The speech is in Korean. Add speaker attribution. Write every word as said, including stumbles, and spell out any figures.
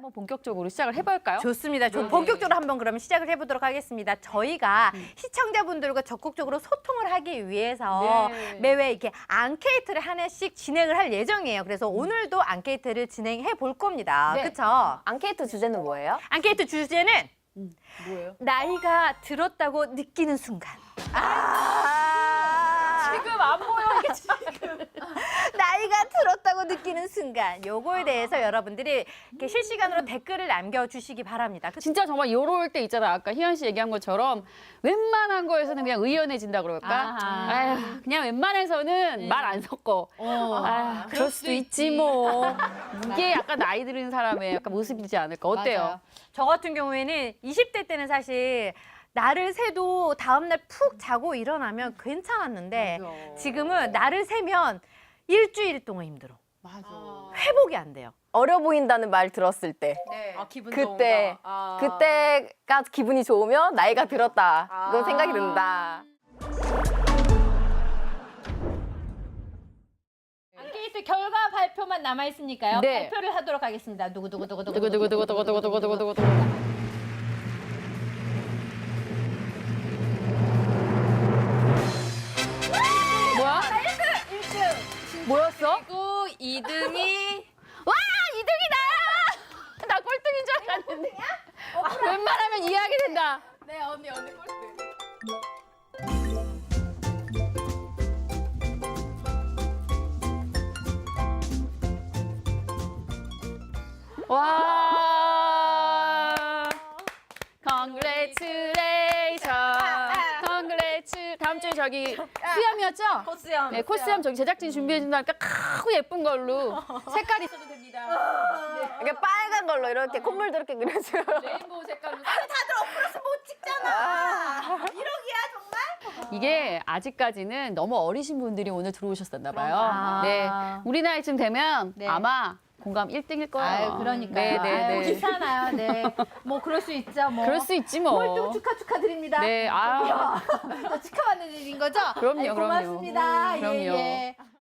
Speaker 1: 한번 본격적으로 시작을 해볼까요?
Speaker 2: 좋습니다. 좀
Speaker 1: 네.
Speaker 2: 본격적으로 한번 그러면 시작을 해보도록 하겠습니다. 저희가
Speaker 1: 음.
Speaker 2: 시청자분들과 적극적으로 소통을 하기 위해서
Speaker 1: 네.
Speaker 2: 매회 이렇게 앙케이트를 하나씩 진행을 할 예정이에요. 그래서
Speaker 1: 음.
Speaker 2: 오늘도 앙케이트를 진행해 볼 겁니다.
Speaker 3: 네.
Speaker 2: 그렇죠?
Speaker 3: 앙케이트 주제는 뭐예요?
Speaker 2: 앙케이트 주제는
Speaker 1: 뭐예요?
Speaker 2: 나이가 들었다고 느끼는 순간. 아
Speaker 1: 지금 안 보여 이게 지금.
Speaker 2: 나이가 들었다고 느끼는 순간. 요거에 대해서 여러분들이 이렇게 실시간으로 댓글을 남겨주시기 바랍니다. 그쵸?
Speaker 1: 진짜 정말 요럴 때 있잖아. 아까 희연 씨 얘기한 것처럼 웬만한 거에서는 그냥 의연해진다 그럴까?
Speaker 2: 아하.
Speaker 1: 아휴, 그냥 웬만해서는 말 안 섞어.
Speaker 2: 어.
Speaker 1: 아, 그럴 수도 있지 뭐. 이게 약간 나이 들은 사람의 약간 모습이지 않을까? 어때요?
Speaker 2: 맞아요. 저 같은 경우에는 이십 대 때는 사실 날을 새도 다음날 푹 자고 일어나면 괜찮았는데
Speaker 1: 맞아.
Speaker 2: 지금은 날을 새면 일주일 동안 힘들어.
Speaker 1: 맞아.
Speaker 2: 회복이 안 돼요.
Speaker 3: 어려 보인다는 말 들었을 때
Speaker 1: 아, 기분
Speaker 3: 그때
Speaker 1: 아.
Speaker 3: 그때가 기분이 좋으면 나이가 들었다 그런
Speaker 1: 아.
Speaker 3: 생각이 든다.
Speaker 2: 앙케이트 결과 발표만 남아 있으니까요.
Speaker 1: 네.
Speaker 2: 발표를 하도록 하겠습니다. 누구 누구 누구 누구
Speaker 1: 두구 두구 두구 두구 두구 두구 두구 두구 두구. 뭐야?
Speaker 2: 일 등.
Speaker 1: 뭐였어?
Speaker 2: 그리고 이 등이
Speaker 1: 와, 이 등이 나야! 나 꼴등인 줄 알았는데. 웬만하면 이해하게 된다.
Speaker 2: 네 언니 언니 꼴등.
Speaker 1: 와. Congratulation. Congratulation. 다음 주에 저기 수염이었죠?
Speaker 2: 코스염.
Speaker 1: 네, 코스염 저기 제작진 준비해 준다니까 크고 예쁜 걸로 색깔 있어도 됩니다.
Speaker 3: 이렇게 빨간 걸로 이렇게 콧물도 이렇게 그려줘.
Speaker 1: 레인보우 색깔로.
Speaker 2: 못 찍잖아. 이러기야 정말?
Speaker 1: 이게 아직까지는 너무 어리신 분들이 오늘 들어오셨었나 봐요.
Speaker 2: 그런가.
Speaker 1: 네. 우리 나이쯤 되면
Speaker 2: 네.
Speaker 1: 아마 공감 일 등일 거예요.
Speaker 2: 아유 그러니까요.
Speaker 1: 네, 네,
Speaker 2: 아유,
Speaker 1: 네.
Speaker 2: 괜찮아요. 네. 뭐 그럴 수 있죠. 뭐.
Speaker 1: 그럴 수 있지 뭐.
Speaker 2: 꼴등 축하 축하드립니다.
Speaker 1: 네, 아.
Speaker 2: 축하받는 일인 거죠?
Speaker 1: 그럼요,
Speaker 2: 아유,
Speaker 1: 그럼요.
Speaker 2: 고맙습니다.
Speaker 1: 음, 그럼요.
Speaker 2: 예, 예.